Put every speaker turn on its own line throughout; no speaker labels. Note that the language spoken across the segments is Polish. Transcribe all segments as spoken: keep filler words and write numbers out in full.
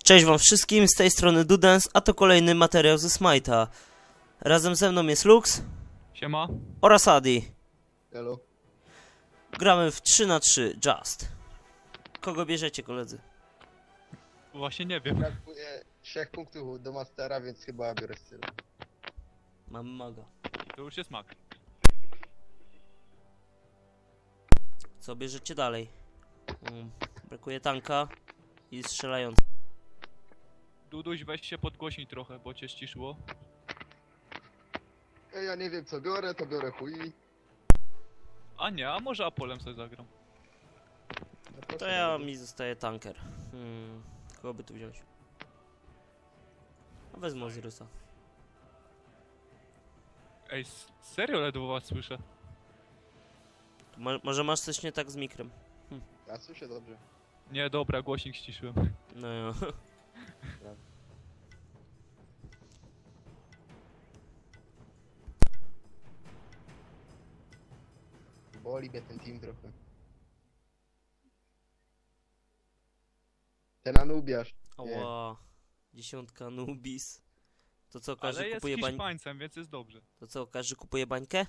Cześć wam wszystkim, z tej strony Dudens, a to kolejny materiał ze Smite'a. Razem ze mną jest Lux.
Siema.
Oraz Adi.
Hello.
Gramy w trzy na trzy, Just. Kogo bierzecie, koledzy?
Właśnie nie wiem.
Brakuje trzech punktów do Mastera, więc chyba biorę styl.
Mam maga.
To już jest mak.
Co bierzecie dalej? Um, brakuje tanka i strzelając.
Duduś, weź się podgłośnij trochę, bo cię ściszyło.
Ej, ja nie wiem co biorę, to biorę chuj.
A nie, a może Apolem sobie zagram.
No
To
proszę
ja
bardzo.
mi zostaje tanker. Hmm, kogo by tu wziąć? A wezmę Osirysa.
Ej, s- serio ledwo was słyszę.
Mo może masz coś nie tak z mikrem?
Ja słyszę dobrze.
Nie, dobra, głośnik ściszyłem.
No ja.
Boli mnie ten team trochę. Ten Anubiasz. Nie.
Ała. Dziesiątka Nubis. To co, każdy
Ale jest
kupuje bań...
Hiszpańcem, więc jest dobrze.
To co, każdy kupuje bańkę?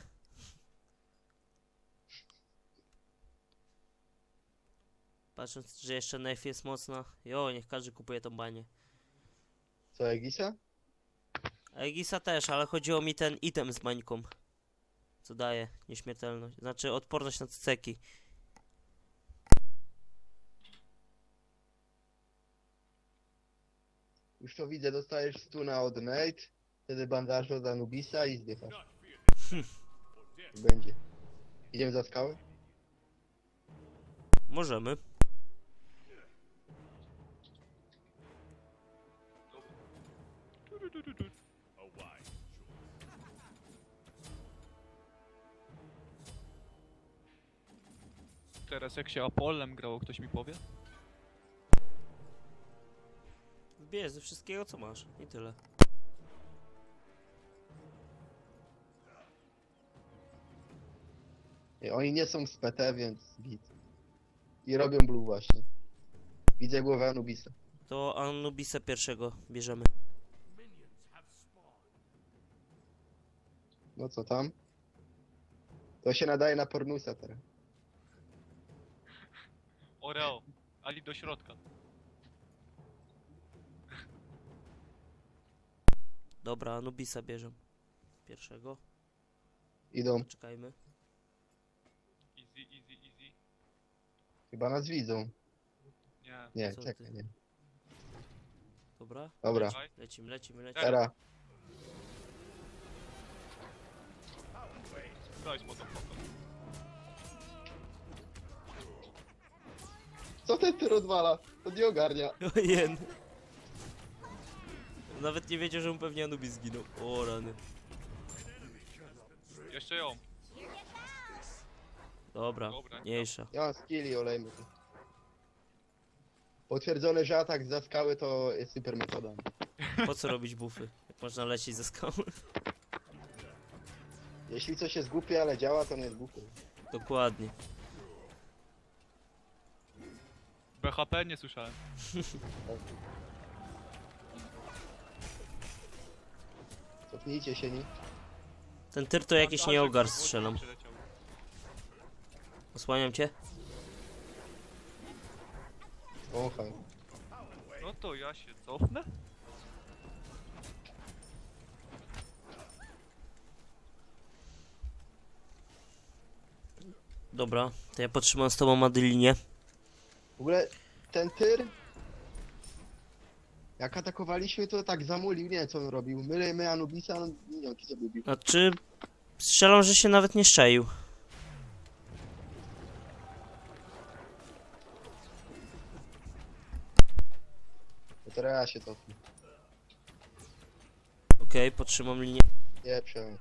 Patrząc, że jeszcze Nef jest mocna. Jo, niech każdy kupuje tą banię.
Co, Egisa?
Egisa też, ale chodziło mi ten item z bańką. Co daje nieśmiertelność. Znaczy odporność na ceki.
Już to widzę, dostajesz stuna od Nate, wtedy bandażu od Anubisa i zdychasz. Będzie. Idziemy za skałę?
Możemy.
Teraz jak się Apolem grało, ktoś mi powie?
Bierz ze wszystkiego co masz. I tyle.
Nie, oni nie są z P T, więc git. I robią blue właśnie. Widzę głowę Anubisa.
To Anubisa pierwszego bierzemy.
No co tam? To się nadaje na pornusa teraz.
Oreo, Ali do środka.
Dobra, Anubisa bierzemy. Pierwszego.
Idą.
Czekajmy.
Easy, easy, easy.
Chyba nas widzą.
Nie.
Nie,
Co
czekaj,
ty?
nie.
Dobra.
Dobra,
Czekaj.
Lecimy, lecimy, lecimy.
teraz.
Daj spoko.
Co ten ty odwala? To nie ogarnia.
Ojen. Nawet nie wiedział, że mu pewnie Anubis zginął. O rany.
Jeszcze ją.
Dobra,
Dobra,
mniejsza.
Ja mam skilli, olejmy to. Potwierdzone, że atak za skały to jest super metoda.
Po co robić bufy? Jak można lecieć ze skały?
Jeśli coś jest głupie, ale działa, to nie jest głupie.
Dokładnie.
B H P nie słyszałem.
Cofnijcie się, nie?
Ten tyr to jakiś
Bandażyk
nieogar
z głośnika
strzelam.
przyleciał.
Osłaniam cię.
Wąchaj.
No to ja się cofnę.
Dobra, to ja potrzymam z tobą Madylinię.
W ogóle ten tyr... Jak atakowaliśmy, to tak zamulił, nie wiem co on robił. My, my Anubisa, on minionki sobie bił.
Znaczy, strzelam, że się nawet nie szczaił.
To teraz ja się cofnę.
Okej, podtrzymam linię.
Nie przejąć.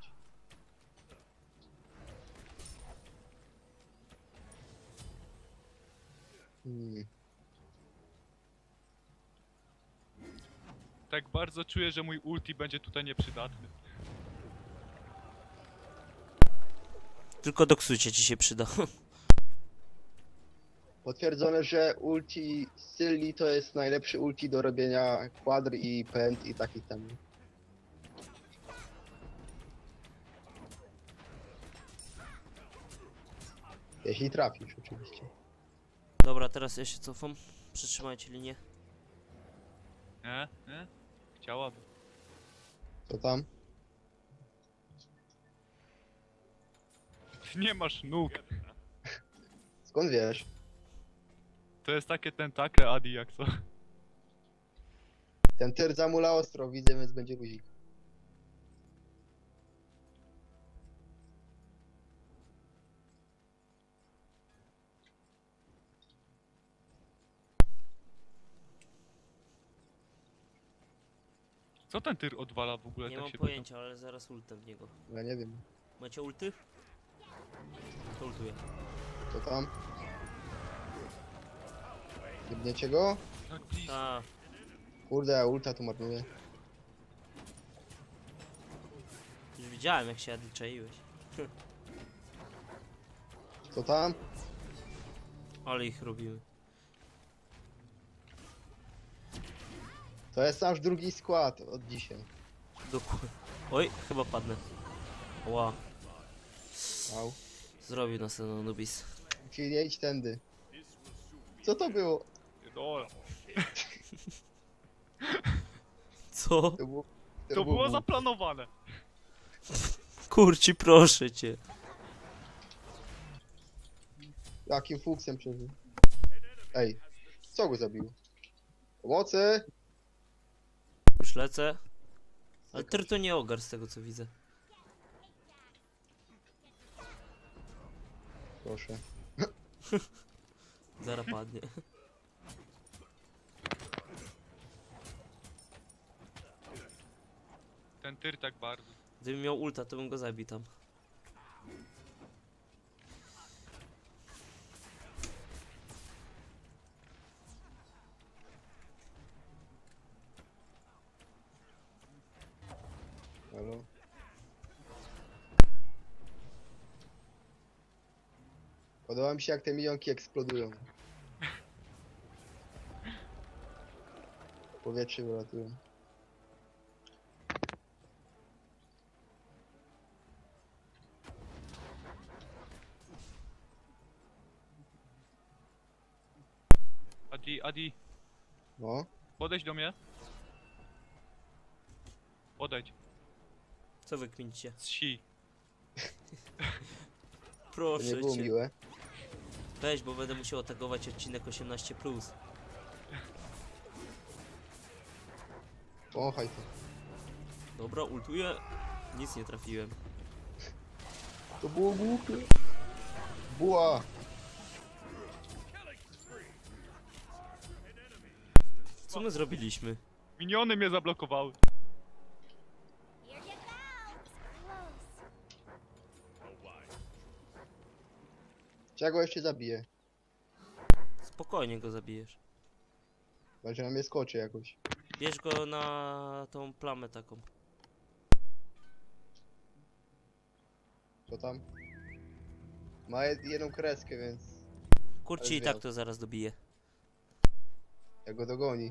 Hmm.
Tak bardzo czuję, że mój ulti będzie tutaj nieprzydatny.
Tylko do ksucia ci się przyda.
Potwierdzone, że ulti Sylli to jest najlepszy ulti do robienia kwadr i pęd i takich tam. Jeśli trafisz oczywiście.
Dobra, teraz ja się cofam. Przytrzymajcie linię.
Nie? Nie? Chciałaby.
Co tam?
Ty nie masz nóg.
Skąd wiesz?
To jest takie tentakle, Adi, jak co?
Ten tyr zamula ostro, widzę, więc będzie luzik.
Co ten tyr odwala w ogóle?
Nie
tak
mam
się
pojęcia, ale zaraz ultem w niego.
Ja nie wiem.
Macie ulty? To ultuję.
Co tam? Jebniecie go?
pytam. Tak blisko.
A,
Kurde, ja ulta tu marnuję.
już widziałem jak się czaiłeś.
Co tam?
Ale ich robimy.
To jest nasz drugi skład od dzisiaj.
Dokładnie. Oj, chyba padnę. Ła,
Wow.
zrobił nas ten Anubis.
Czyli nie idź tędy. Co to było?
Dobra.
Co?
To było,
To było zaplanowane.
Kurci, proszę cię.
Jakim fuksem przeżył? Ej, co go zabiło? Pomocy!
Już lecę. Ale Tyr to nie ogar z tego co widzę.
Proszę.
Zara padnie.
Ten tyr tak bardzo.
Gdybym miał ulta, to bym go zabił tam.
Halo? Podoba mi się jak te milionki eksplodują. W powietrze wylatują.
Adi, Adi,
No.
podejdź do mnie. Podejdź.
Co wy kminicie?
Z si.
To
Proszę
nie było
cię.
miłe.
Weź, bo będę musiał atakować odcinek osiemnaście plus.
Pomachaj to.
Dobra, ultuję. Nic nie trafiłem.
To było głupie. Buła!
Co my zrobiliśmy?
Miniony mnie zablokowały.
Here you go. Close.
Czego jeszcze zabiję?
Spokojnie go zabijesz.
Chyba, że na mnie skoczy jakoś.
Bierz go na tą plamę taką.
Co tam? Ma jed- jedną kreskę, więc
Kurci
Ale
i tak
zwiał.
to zaraz dobije.
jak go dogoni.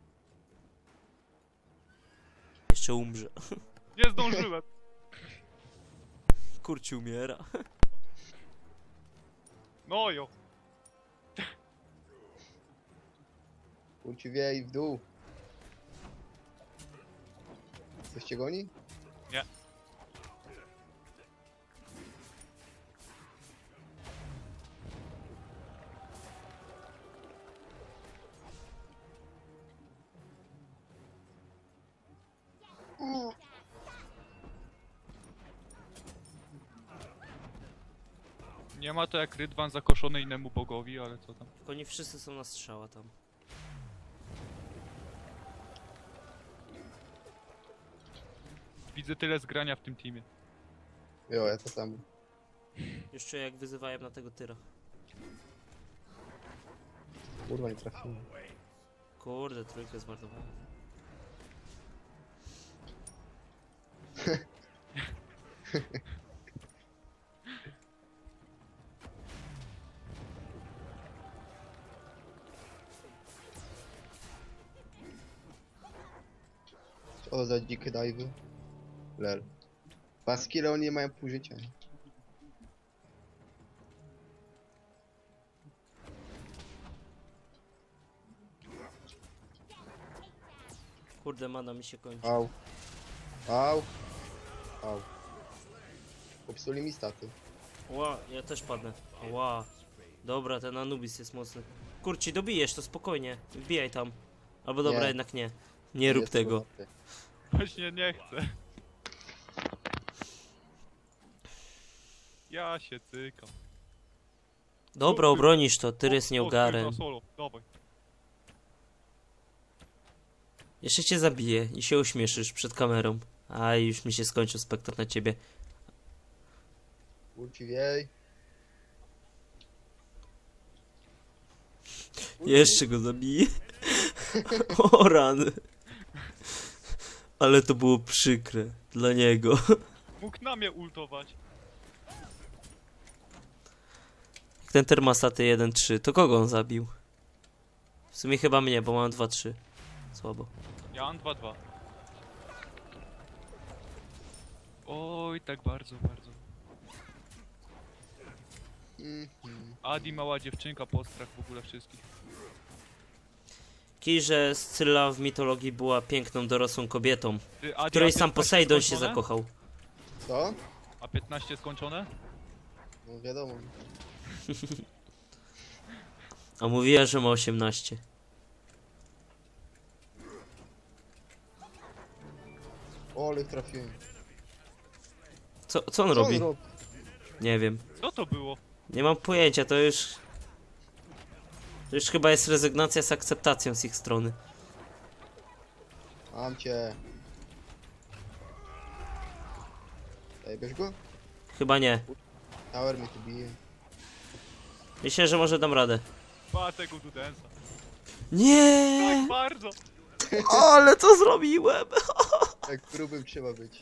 Jeszcze umrze.
Nie zdążyłem.
Kurci umiera.
No jo.
Kurci wie i w dół. Coś cię goni?
Nie. Nie ma to jak Rydwan zakoszony innemu bogowi, ale co tam.
Tylko nie wszyscy są na strzała tam.
Widzę tyle zgrania w tym teamie.
Jo, ja to samo.
Jeszcze jak wyzywałem na tego tyra.
Kurwa, nie trafiłem.
Kurde, trójkę zmarnowałem.
O, za dzikie dive'y. Lel. Baskile oni nie mają pół życia.
Kurde, mana mi się kończy.
Au. Au. Au. Popsuli mi staty.
Ła, ja też padnę. Ła. Dobra, ten Anubis jest mocny. Kurci, dobijesz to spokojnie. Wbijaj tam. Albo dobra,
Nie.
jednak nie. Nie rób
Jest
tego.
słowaty.
Właśnie nie chcę. Ja się cykam.
Dobra, obronisz to, Tyrys nie
O, o,
ogarę.
na solo, dawaj.
Jeszcze cię zabiję i się uśmieszysz przed kamerą. A już mi się skończył spektakl na ciebie.
Ulci wiej.
Jeszcze go zabiję. O rany. Ale to było przykre dla niego.
Mógł na mnie ultować.
Ten termostaty jeden trzy, to kogo on zabił? W sumie chyba mnie, bo mam dwa trzy. Słabo.
Ja mam dwa dwa. Oj, tak bardzo, bardzo.
Mhm.
Adi mała dziewczynka, postrach w ogóle wszystkich.
Kij, że Scylla w mitologii była piękną, dorosłą kobietą,
Ty,
w
Adi,
której
a
sam
piętnaście
Posejdon się
skończone?
zakochał.
Co?
A piętnaście skończone?
No wiadomo.
A mówiła, że ma osiemnaście.
O, ale ich trafiłem.
Co, co on
Co
robi?
on robi?
Nie wiem.
Co to było?
Nie mam pojęcia, to już... To już chyba jest rezygnacja z akceptacją z ich strony.
Mam cię. Ej, bierz go?
Chyba nie.
Tower mnie tu bije.
Myślę, że może dam radę.
Ba tego Dudensa.
Nie!
Tak bardzo!
Ale co zrobiłem?
Tak grubym trzeba być.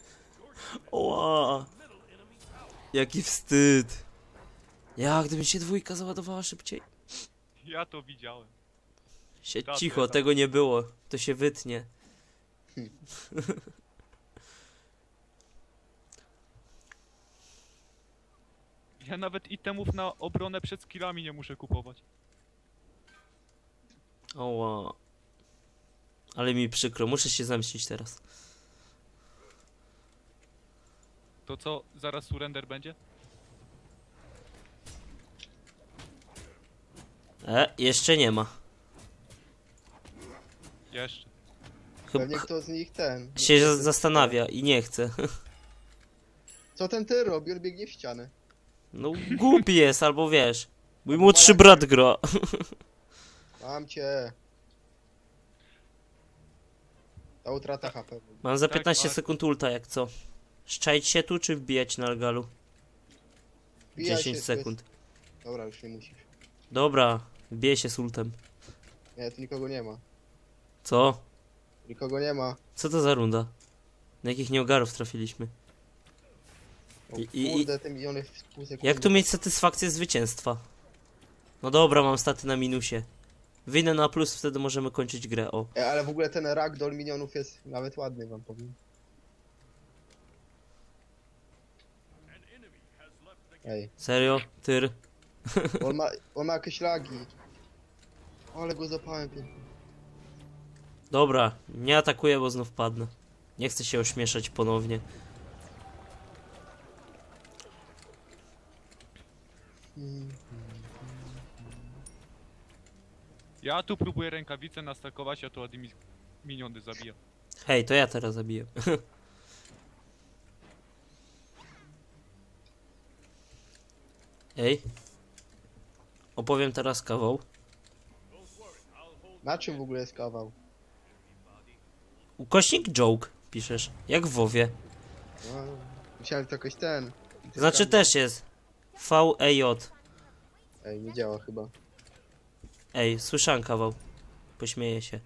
Oła. Jaki wstyd. Jak gdyby się dwójka załadowała szybciej.
Ja to widziałem.
Siedź
Dobra,
cicho,
dobra.
tego nie było. To się wytnie.
Ja nawet itemów na obronę przed skillami nie muszę kupować.
Oła. Ale mi przykro, muszę się zemścić teraz.
To co, zaraz surrender będzie?
E, jeszcze nie ma.
Jeszcze.
Chyba
Pewnie kto z nich ten.
się za- zastanawia i nie chce.
Co ten ty robi? On biegnie w ścianę.
No głupi jest, albo wiesz. Mój młodszy brat gra.
Mam cię. Ta utrata H P.
Mam za
Tak,
piętnaście
tak.
sekund ulta, jak co? Szczaić się tu, czy wbijać na Algalu?
Wbijaj
dziesięć
się, tu
sekund.
Jest... Dobra, już nie musisz.
Dobra, wbijaj się z ultem.
Nie, tu nikogo nie ma.
Co?
Nikogo nie ma.
Co to za runda? Na jakich nieogarów trafiliśmy?
O,
I- i-
kurde, te miliony w pół sekundy.
Jak tu mieć satysfakcję zwycięstwa? No dobra, mam staty na minusie. Wyjdę na plus, wtedy możemy kończyć grę, o.
E, ale w ogóle ten ragdoll minionów jest nawet ładny, wam powiem. Ej,
Serio? Tyr?
on ma, on ma jakieś lagi. Ale go zapałem pięknie.
Dobra, nie atakuję, bo znów padnę. Nie chcę się ośmieszać ponownie.
Mm.
Ja tu próbuję rękawice nastakować, a tu Adi mi miniony zabija.
Hej, to ja teraz zabiję. Ej. Opowiem teraz kawał.
Na czym w ogóle jest kawał?
Ukośnik joke piszesz, jak w WoWie.
No, myślałem, że to jakoś ten.
Znaczy też jest. V E J.
Ej, nie działa chyba.
Ej, słyszałem kawał. Pośmieję się.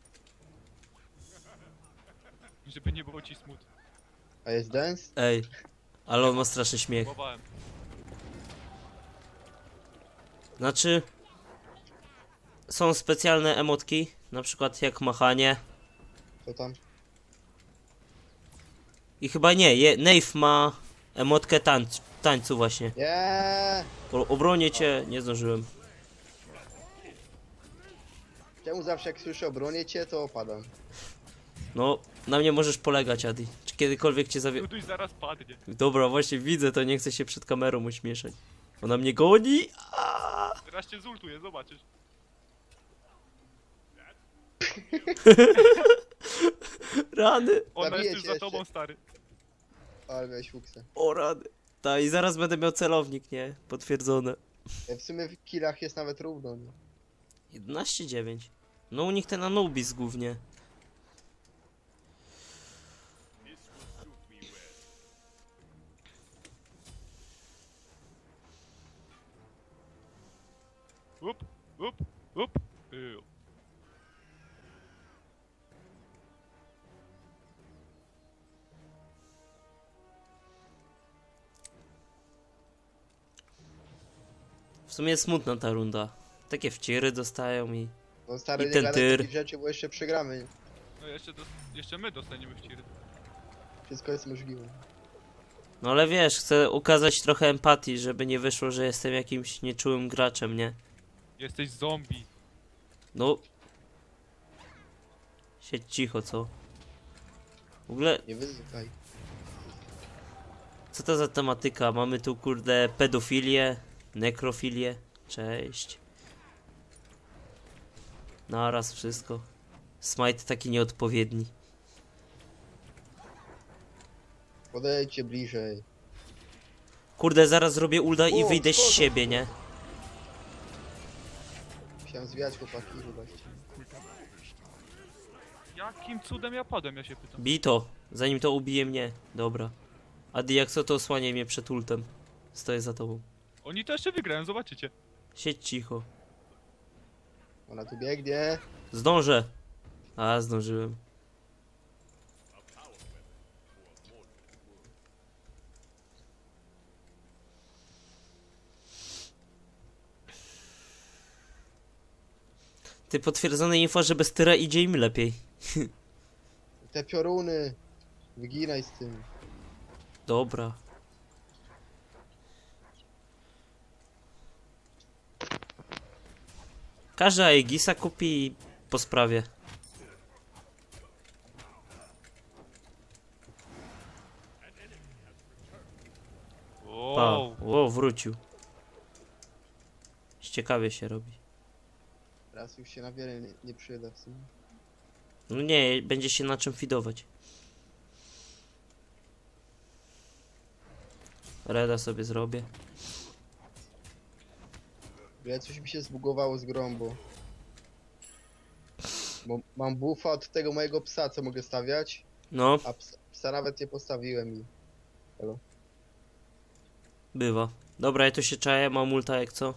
Żeby nie było ci smutno.
A jest dance?
Ej. Ale on ma straszny śmiech.
Próbowałem.
Znaczy... Są specjalne emotki, na przykład jak machanie.
Co tam?
I chyba nie, je, Nave ma emotkę tańc, tańcu właśnie.
Nie!
O, obronię cię, nie zdążyłem.
Czemu zawsze jak słyszę obronię cię, to opadam?
No, na mnie możesz polegać, Adi. Czy kiedykolwiek cię zawie...
Duduś zaraz padnie.
Dobra, właśnie widzę to, nie chcę się przed kamerą uśmieszać. Ona mnie goni. Aaaa!
Teraz cię zultuje, zobaczysz.
Rany.
Ona
Zabiję
jest już
cię
za
jeszcze.
tobą, stary.
Ale miałeś fuksę.
O rany. Ta i zaraz będę miał celownik, nie? Potwierdzone.
E, W sumie w killach jest nawet równo, nie?
jedenaście dziewięć. No u nich ten Anubis głównie.
Up, up, up. Ew.
W sumie jest smutna ta runda. Takie wciry dostają i...
No stary,
I
nie
ten
gadaj
tyr.
takich rzeczy, bo jeszcze przegramy. nie?
No jeszcze, dos jeszcze my dostaniemy w ciry.
Wszystko jest możliwe.
No ale wiesz, chcę ukazać trochę empatii, żeby nie wyszło, że jestem jakimś nieczułym graczem, nie?
Jesteś zombie.
No... Siedź cicho, co? W ogóle,
Nie wyzywaj.
co to za tematyka? Mamy tu, kurde, pedofilię, nekrofilię. Cześć. Naraz wszystko. Smite taki nieodpowiedni.
Podejdźcie bliżej.
Kurde, zaraz zrobię ulda i
O,
wyjdę z
szkoda.
siebie, nie?
Musiałem zwijać chłopaki, wybaczcie.
Jakim cudem ja padłem, ja się pytam.
Bij to, zanim to ubije mnie. Dobra. Adi, jak co, to osłaniaj mnie przed ultem. Stoję za tobą.
Oni to jeszcze wygrają, zobaczycie.
Siedź cicho.
Ona tu biegnie.
Zdążę. A, zdążyłem. Ty, potwierdzone info, że bez tyra idzie im lepiej.
Te pioruny. Wyginaj z tym.
Dobra. Każdy Aegisa kupi i po sprawie. Pa.
Wow.
O, wrócił. Ciekawie się robi.
Teraz już się na wiele nie, nie przyda w sumie.
No nie, będzie się na czym fidować. Reda sobie zrobię.
Ale coś mi się zbugowało z grą, bo... Bo mam buffa od tego mojego psa, co mogę stawiać,
No,
a psa, psa nawet nie postawiłem i...
bywa. Dobra, ja tu się czaję, mam ulta jak co.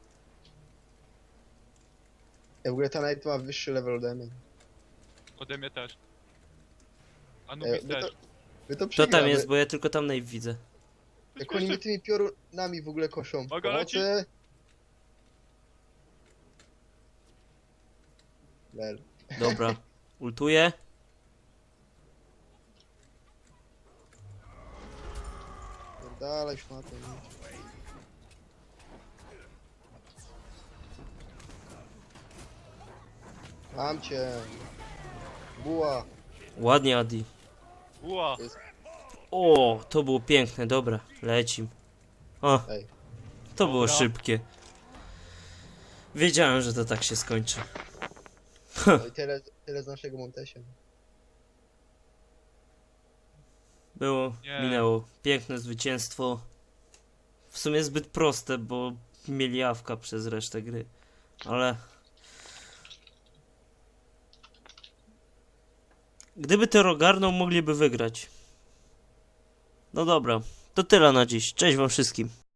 Ja w ogóle ta Knight ma wyższy level ode mnie.
Ode mnie też.
E,
Anubis
my, to,
też.
my to
Co
przegramy.
tam jest, bo ja tylko tam Nave widzę.
Jak oni mnie tymi piorunami w ogóle koszą.
Uwaga, leci.
Pomocy. Lel.
Dobra, ultuję.
Dalej szmatę. Mam cię. Buła.
Ładnie, Adi.
Ua.
O, to było piękne, dobra, lecim. O,
Ej.
to było
Dobra.
szybkie. Wiedziałem, że to tak się skończy.
No i tyle, tyle z naszego Montesia.
Było,
Nie.
minęło. Piękne zwycięstwo. W sumie zbyt proste, bo mieli awka przez resztę gry. Ale... Gdyby to ogarnął, mogliby wygrać. No dobra, to tyle na dziś. Cześć wam wszystkim.